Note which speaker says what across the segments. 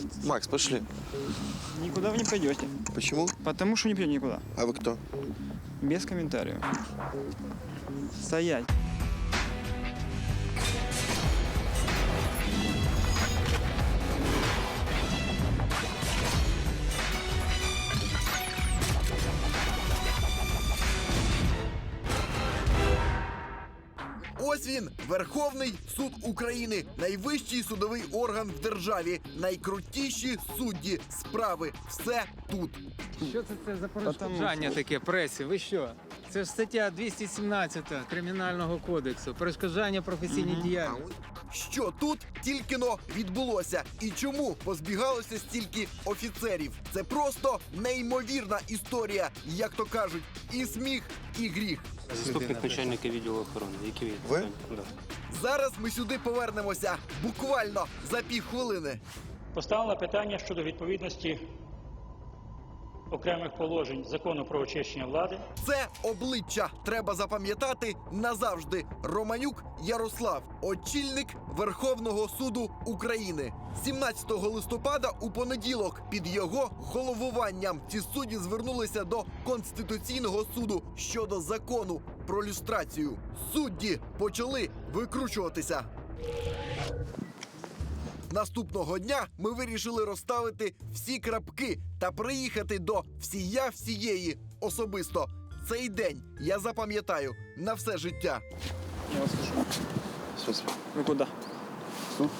Speaker 1: Макс, пошли.
Speaker 2: Никуда вы не пойдете.
Speaker 1: Почему?
Speaker 2: Потому что не пойдете никуда.
Speaker 1: А вы кто?
Speaker 2: Без комментариев. Стоять.
Speaker 3: Ось він, Верховний суд України, найвищий судовий орган в державі, найкрутіші судді, справи. Все тут.
Speaker 4: Що це за перешкоджання таке пресі? Ви що? Це ж стаття 217 Кримінального кодексу. Перешкоджання професійній діяльності.
Speaker 3: Що тут тільки-но відбулося і чому позбігалося стільки офіцерів? Це просто неймовірна історія, як то кажуть, і сміх, і гріх.
Speaker 5: Заступник начальника відділу охорони. Які
Speaker 1: Ви?
Speaker 5: Да.
Speaker 3: Зараз ми сюди повернемося буквально за півхвилини.
Speaker 6: Поставлено питання щодо відповідності окремих положень Закону про очищення влади.
Speaker 3: Це обличчя треба запам'ятати назавжди. Романюк Ярослав, очільник Верховного суду України. 17 листопада у понеділок під його головуванням ці судді звернулися до Конституційного суду щодо закону про люстрацію. Судді почали викручуватися. Наступного дня ми вирішили розставити всі крапки та приїхати до всія всієї особисто. Цей день я запам'ятаю на все життя.
Speaker 2: Я вас слышу.
Speaker 1: В смысле?
Speaker 2: Вы куда?
Speaker 1: В суд.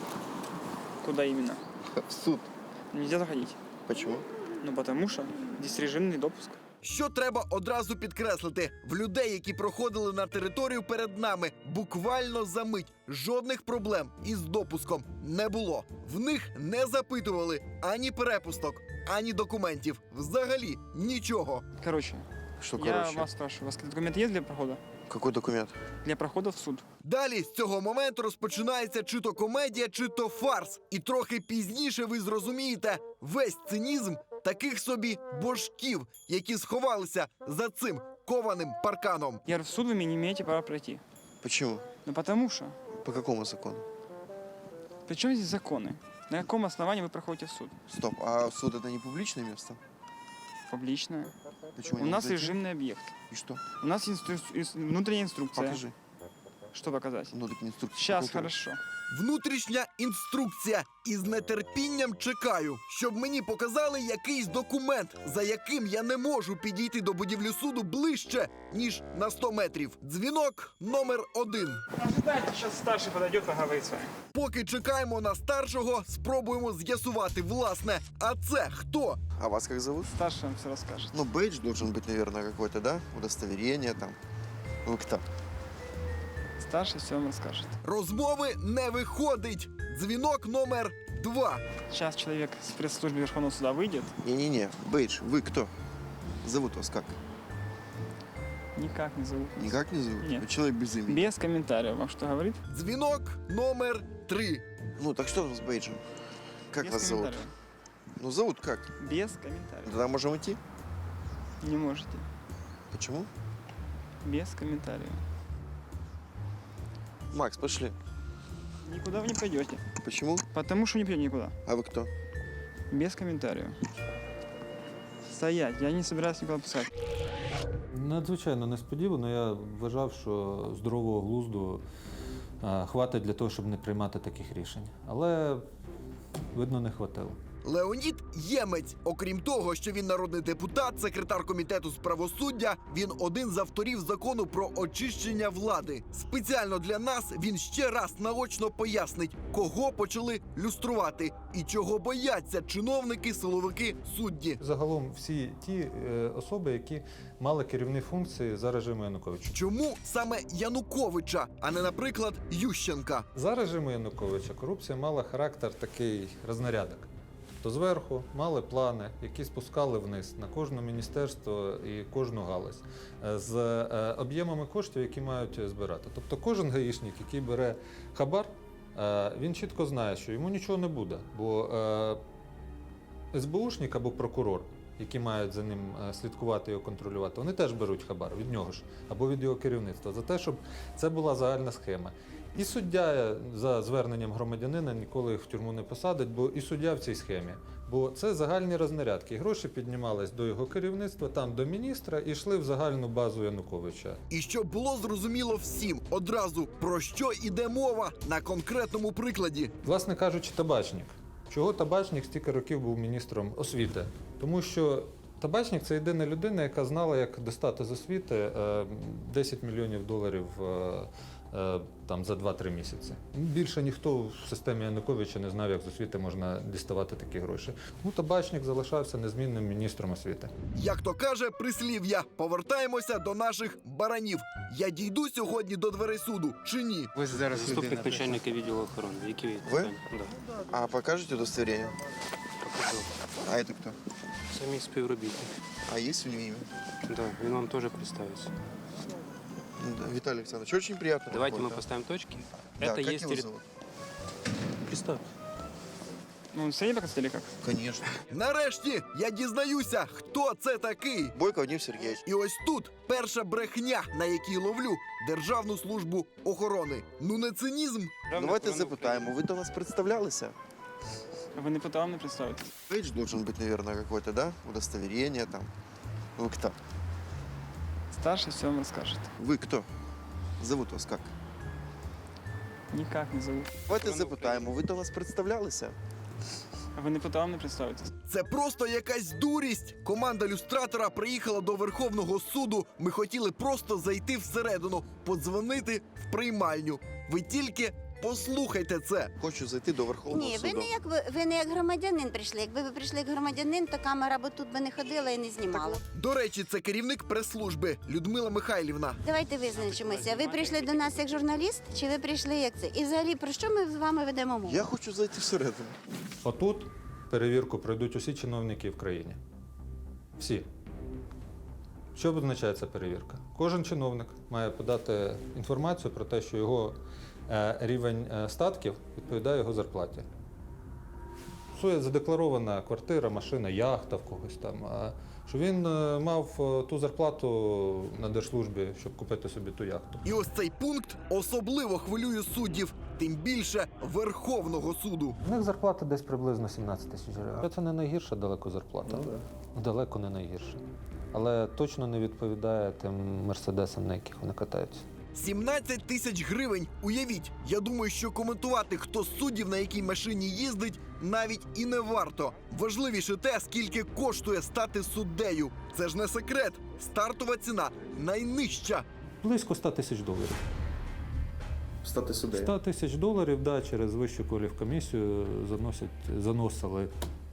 Speaker 2: Куда именно?
Speaker 1: В суд.
Speaker 2: Нельзя заходить.
Speaker 1: Почему?
Speaker 2: Ну, потому что здесь режимный допуск.
Speaker 3: Що треба одразу підкреслити? В людей, які проходили на територію перед нами, буквально за мить жодних проблем із допуском не було. В них не запитували ані перепусток, ані документів. Взагалі нічого.
Speaker 2: Короче,
Speaker 1: Что,
Speaker 2: я
Speaker 1: короче?
Speaker 2: вас спрашиваю, у вас документ есть для прохода?
Speaker 1: Какой документ?
Speaker 2: Для прохода в суд.
Speaker 3: Далі з цього моменту розпочинається чи то комедія, чи то фарс. І трохи пізніше ви зрозумієте весь цинізм таких собі божків, які сховалися за цим кованим парканом.
Speaker 2: Я говорю, в суд вы не имеете права пройти.
Speaker 1: Почему?
Speaker 2: Ну, потому что.
Speaker 1: По какому закону?
Speaker 2: Причем здесь законы? На каком основании вы проходите в суд?
Speaker 1: Стоп, а суд это не публичное место?
Speaker 2: Публичное.
Speaker 1: Почему
Speaker 2: У
Speaker 1: не
Speaker 2: нас
Speaker 1: зайти?
Speaker 2: режимный объект.
Speaker 1: И что?
Speaker 2: У нас внутренняя инструкция.
Speaker 1: Покажи.
Speaker 2: Что показать?
Speaker 1: Ну так инструкция.
Speaker 2: Сейчас,
Speaker 1: Какую-то-
Speaker 2: хорошо.
Speaker 3: Внутрішня інструкція. І з нетерпінням чекаю, щоб мені показали якийсь документ, за яким я не можу підійти до будівлі суду ближче, ніж на 100 метрів. Дзвінок номер 1.
Speaker 2: Ожидайте, сейчас старший подойдет, поговорит с вами.
Speaker 3: Поки чекаємо на старшого, спробуємо з'ясувати, власне, а це хто?
Speaker 1: А вас как зовут?
Speaker 2: Старший вам все расскажет.
Speaker 1: Ну, бейдж должен быть, наверное, какой-то, да? Удостоверение там. Вы кто?
Speaker 2: Старший все вам расскажет.
Speaker 3: Розмови не виходить. Дзвінок номер 2.
Speaker 2: Сейчас человек с пресс-службы Верховного суда выйдет.
Speaker 1: Не-не-не, бейдж, вы кто? Зовут вас как?
Speaker 2: Никак не зовут.
Speaker 1: Никак не зовут?
Speaker 2: Нет.
Speaker 1: Вы человек без имени.
Speaker 2: Без комментариев. Вам что говорит?
Speaker 3: Дзвінок номер 3.
Speaker 1: Ну, так что там с бейджем? Как
Speaker 2: Без
Speaker 1: вас зовут?
Speaker 2: комментариев.
Speaker 1: Ну, зовут как?
Speaker 2: Без комментариев.
Speaker 1: Тогда можем идти?
Speaker 2: Не можете.
Speaker 1: Почему?
Speaker 2: Без комментариев.
Speaker 1: Макс, пошли.
Speaker 2: Никуда вы не пойдете.
Speaker 1: Почему?
Speaker 2: Потому что не пойдете никуда.
Speaker 1: А вы кто?
Speaker 2: Без комментариев. Стоять. Я не собираюсь никуда пускать.
Speaker 7: Надзвичайно несподівано. Я вважав, що здорового глузду хватить для того, щоб не приймати таких рішень. Але, видно, не хватило.
Speaker 3: Леонід Ємець. Окрім того, що він народний депутат, секретар комітету з правосуддя, він один з авторів закону про очищення влади. Спеціально для нас він ще раз наочно пояснить, кого почали люструвати і чого бояться чиновники, силовики, судді.
Speaker 7: Загалом всі ті особи, які мали керівні функції за режиму Януковича.
Speaker 3: Чому саме Януковича, а не, наприклад, Ющенка?
Speaker 7: За режиму Януковича корупція мала характер такий рознарядок. То зверху мали плани, які спускали вниз на кожне міністерство і кожну галузь з об'ємами коштів, які мають збирати. Тобто кожен гаїшник, який бере хабар, він чітко знає, що йому нічого не буде, бо СБУшник або прокурор, які мають за ним слідкувати і контролювати, вони теж беруть хабар від нього ж або від його керівництва за те, щоб це була загальна схема. І суддя за зверненням громадянина ніколи їх в тюрму не посадить, бо і суддя в цій схемі. Бо це загальні рознарядки. Гроші піднімались до його керівництва, там до міністра, і йшли в загальну базу Януковича.
Speaker 3: І щоб було зрозуміло всім одразу, про що йде мова на конкретному прикладі.
Speaker 7: Власне кажучи, Табачник. Чого Табачник стільки років був міністром освіти? Тому що Табачник – це єдина людина, яка знала, як достати з освіти 10 мільйонів доларів там, за 2-3 місяці. Більше ніхто в системі Януковича не знав, як з освіти можна діставати такі гроші. Ну, Табачник залишався незмінним міністром освіти.
Speaker 3: Як то каже прислів'я, повертаємося до наших баранів. Я дійду сьогодні до дверей суду чи ні?
Speaker 4: Ось зараз
Speaker 5: Заступник
Speaker 4: людина прийшла.
Speaker 5: начальника відділу охорони. Які
Speaker 1: Ви?
Speaker 5: питання? Да.
Speaker 1: А покажете удостоверение?
Speaker 5: Покажу.
Speaker 1: А это кто?
Speaker 5: Це мій співробітник.
Speaker 1: А есть у него имя?
Speaker 5: Да, він вам теж представиться.
Speaker 1: Да, Виталий Александрович, очень приятно.
Speaker 5: Давайте мы
Speaker 1: работать,
Speaker 5: поставим точки.
Speaker 1: да.
Speaker 5: Это
Speaker 1: Да, как
Speaker 5: есть
Speaker 1: его зовут?
Speaker 5: Представь.
Speaker 2: Ну, Сергей или как?
Speaker 1: Конечно.
Speaker 3: Нарешті я дізнаюся, хто це такий.
Speaker 1: Бойко Вадим Сергеевич.
Speaker 3: І ось тут перша брехня, на якій ловлю Державну службу охорони. Ну не цинізм?
Speaker 1: Давайте запитаємо, ви до нас представлялися?
Speaker 2: Ви не питали, не представитесь.
Speaker 1: Пейдж должен быть, наверное, какой-то, да? Удостоверение там. Вы кто?
Speaker 2: Старший все вам расскажет.
Speaker 1: Вы кто? Зовут вас как?
Speaker 2: Никак не зовут.
Speaker 1: Давайте запитаємо, ви до нас представлялися?
Speaker 2: Ви не питали, не представитесь.
Speaker 3: Це просто якась дурість. Команда люстратора приїхала до Верховного суду. Ми хотіли просто зайти всередину, подзвонити в приймальню. Ви тільки послухайте це.
Speaker 1: Хочу зайти до Верховного
Speaker 8: Ні,
Speaker 1: суду.
Speaker 8: ви не як громадянин прийшли. Якби ви прийшли як громадянин, то камера б тут би не ходила і не знімала.
Speaker 3: До речі, це керівник прес-служби Людмила Михайлівна.
Speaker 8: Давайте визначимося. Ви прийшли до нас як журналіст, чи ви прийшли як це? І взагалі, про що ми з вами ведемо мову?
Speaker 1: Я хочу зайти всередину.
Speaker 7: Отут перевірку пройдуть усі чиновники в країні. Всі. Що означає ця перевірка? Кожен чиновник має подати інформацію про те, що його рівень статків відповідає його зарплаті. Є задекларована квартира, машина, яхта в когось там. Що він мав ту зарплату на держслужбі, щоб купити собі ту яхту.
Speaker 3: І ось цей пункт особливо хвилює суддів, тим більше Верховного суду.
Speaker 7: У них зарплата десь приблизно 17 тисяч гривень. Це не найгірша далеко зарплата. Далеко не найгірша. Але точно не відповідає тим мерседесам, на яких вони катаються.
Speaker 3: 17 тисяч гривень. Уявіть, я думаю, що коментувати, хто з суддів на якій машині їздить, навіть і не варто. Важливіше те, скільки коштує стати суддею. Це ж не секрет. Стартова ціна найнижча.
Speaker 7: Близько 100 тисяч доларів.
Speaker 1: Стати суддею.
Speaker 7: 100 тисяч доларів, да, через Вищу кваліфкомісію заносили.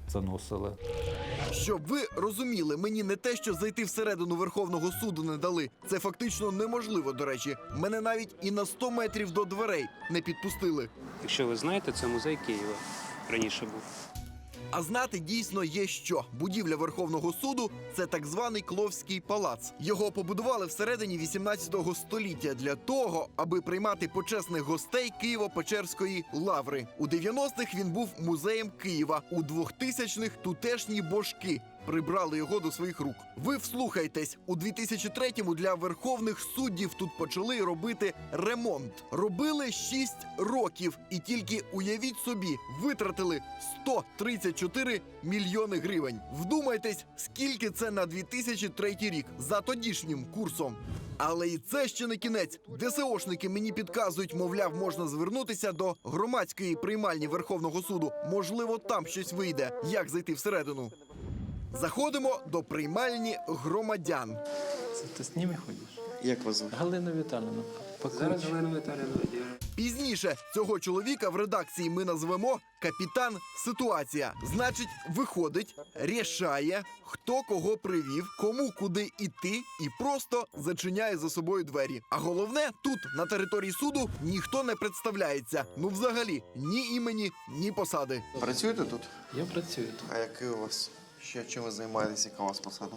Speaker 3: Щоб ви розуміли, мені не те, що зайти всередину Верховного суду не дали. Це фактично неможливо, до речі. Мене навіть і на 100 метрів до дверей не підпустили.
Speaker 5: Якщо ви знаєте, це музей Києва. Раніше був.
Speaker 3: А знати дійсно є що. Будівля Верховного суду – це так званий Кловський палац. Його побудували всередині 18 століття для того, аби приймати почесних гостей Києво-Печерської лаври. У 90-х він був музеєм Києва. У 2000-х – тутешні божки. Прибрали його до своїх рук. Ви вслухайтесь, у 2003-му для верховних суддів тут почали робити ремонт. Робили 6 років. І тільки, уявіть собі, витратили 134 мільйони гривень. Вдумайтесь, скільки це на 2003 рік за тодішнім курсом. Але і це ще не кінець. ДСОшники мені підказують, мовляв, можна звернутися до громадської приймальні Верховного суду. Можливо, там щось вийде. Як зайти всередину? Заходимо до приймальні громадян.
Speaker 9: Ти з ними ходиш?
Speaker 1: Як вас звуть?
Speaker 9: Галина Віталіївна.
Speaker 5: Зараз Галина Віталіївна.
Speaker 3: Пізніше цього чоловіка в редакції ми назвемо капітан ситуація. Значить, виходить, рішає, хто кого привів, кому куди іти і просто зачиняє за собою двері. А головне, тут, на території суду, ніхто не представляється. Ну взагалі, ні імені, ні посади.
Speaker 1: Працюєте тут?
Speaker 9: Я працюю тут.
Speaker 1: А який у вас? Ще чим ви займаєтесь, яка у вас посада?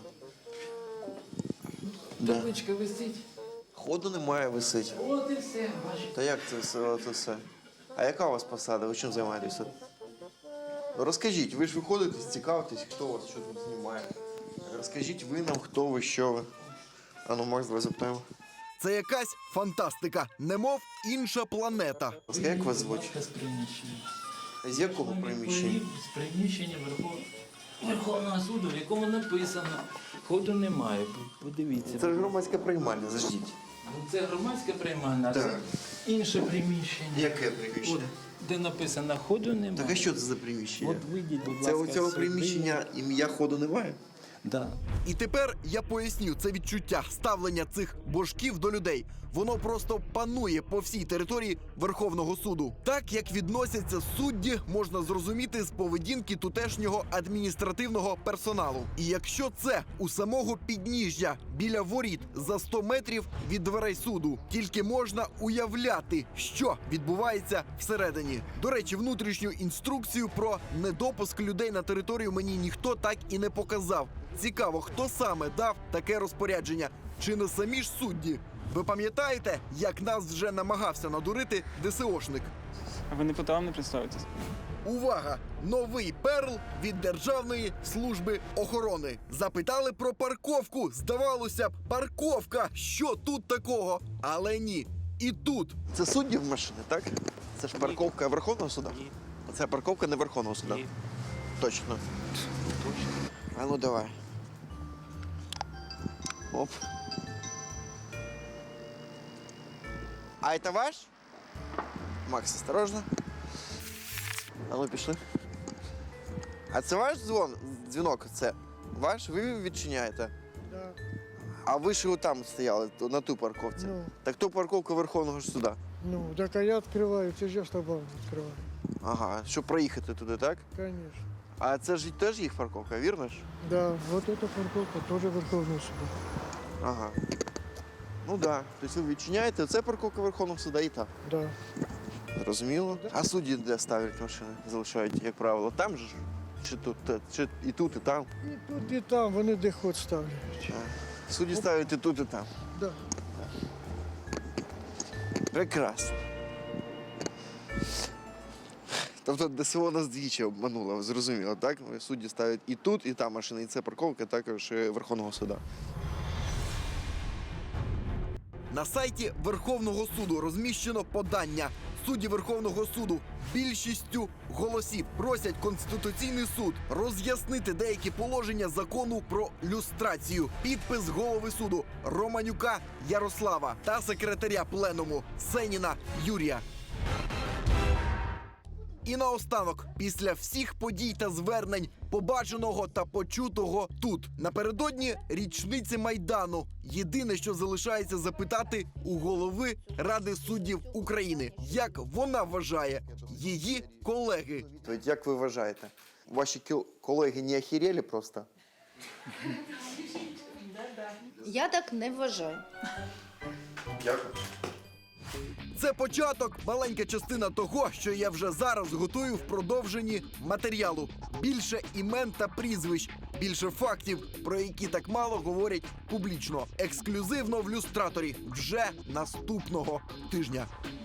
Speaker 1: Да.
Speaker 9: Табличка висить.
Speaker 1: Ходу немає, висить.
Speaker 9: От і все, бачите.
Speaker 1: Та як це все? А яка у вас посада? Ви чим займаєтесь тут? Ну, розкажіть, ви ж виходите, цікавитесь, хто вас, що тут знімає. Розкажіть ви нам, хто ви, що ви. А ну, Макс, давай запитаємо.
Speaker 3: Це якась фантастика, немов інша планета.
Speaker 1: Як вас звуть?
Speaker 9: З приміщення.
Speaker 1: З якого приміщення?
Speaker 9: З приміщення Верховного суду, в якому написано, ходу немає. Подивіться.
Speaker 1: Це ж громадська приймальня, заждіть.
Speaker 9: Це громадське приймальне, а це
Speaker 1: Так.
Speaker 9: інше приміщення.
Speaker 1: Яке
Speaker 9: От,
Speaker 1: приміщення?
Speaker 9: де написано, ходу немає.
Speaker 1: Так а що це за приміщення?
Speaker 9: От вийдіть, будь
Speaker 1: Це
Speaker 9: ласка,
Speaker 1: у цього
Speaker 9: сюди.
Speaker 1: приміщення ім'я ходу немає?
Speaker 9: Да.
Speaker 3: І тепер я поясню це відчуття ставлення цих божків до людей. Воно просто панує по всій території Верховного суду. Так як відносяться судді, можна зрозуміти з поведінки тутешнього адміністративного персоналу. І якщо це у самого підніжжя біля воріт за 100 метрів від дверей суду, тільки можна уявляти, що відбувається всередині. До речі, внутрішню інструкцію про недопуск людей на територію мені ніхто так і не показав. Цікаво, хто саме дав таке розпорядження? Чи не самі ж судді? Ви пам'ятаєте, як нас вже намагався надурити ДСОшник?
Speaker 2: А ви не питали, не представитесь?
Speaker 3: Увага! Новий перл від Державної служби охорони. Запитали про парковку. Здавалося б, парковка. Що тут такого? Але ні. І тут.
Speaker 1: Це суддів машини, так? Це ж парковка Верховного суду?
Speaker 5: Ні.
Speaker 1: Це парковка не Верховного суду?
Speaker 5: Ні.
Speaker 1: Точно. А ну давай. Оп. А это ваш? Макс, осторожно. А ну пішли. А це ваш дзвінок? Це ваш? Ви відчиняєте?
Speaker 10: Да.
Speaker 1: А ви ж там стояли, на ту парковці.
Speaker 10: Ну.
Speaker 1: Так то парковка Верховного ж суда.
Speaker 10: Ну, так а я відкриваю, це ж я з тобою відкриваю.
Speaker 1: Ага, щоб проїхати туди, так?
Speaker 10: Конечно.
Speaker 1: А це ж теж їх парковка, вірно ж?
Speaker 10: Да, вот эта парковка тоже Верховного суда.
Speaker 1: Ага. Ну так. Да. Тобто ви відчиняєте, це парковка Верховного суда і та.
Speaker 10: Да.
Speaker 1: Зрозуміло. А судді де ставлять машини? Залишають, як правило, там же ж? Чи тут, чи і тут, і там?
Speaker 10: І тут, і там, вони де хоч ставлять.
Speaker 1: Судді ставлять і тут, і там.
Speaker 10: Да.
Speaker 1: Прекрасно. Тобто ДСО нас двічі обмануло, зрозуміло, так? Судді ставлять і тут, і там машини, і це парковка також Верховного суда.
Speaker 3: На сайті Верховного суду розміщено подання. Судді Верховного суду більшістю голосів просять Конституційний суд роз'яснити деякі положення закону про люстрацію. Підпис голови суду Романюка Ярослава та секретаря пленуму Сеніна Юрія. І наостанок, після всіх подій та звернень, побаченого та почутого тут, напередодні річниці Майдану, єдине, що залишається запитати у голови Ради суддів України, як вона вважає її колеги.
Speaker 1: Тобто, як ви вважаєте, ваші колеги не охерели просто?
Speaker 11: Я так не вважаю.
Speaker 1: Дякую.
Speaker 3: Це початок, маленька частина того, що я вже зараз готую в продовженні матеріалу. Більше імен та прізвищ, більше фактів, про які так мало говорять публічно. Ексклюзивно в люстраторі вже наступного тижня.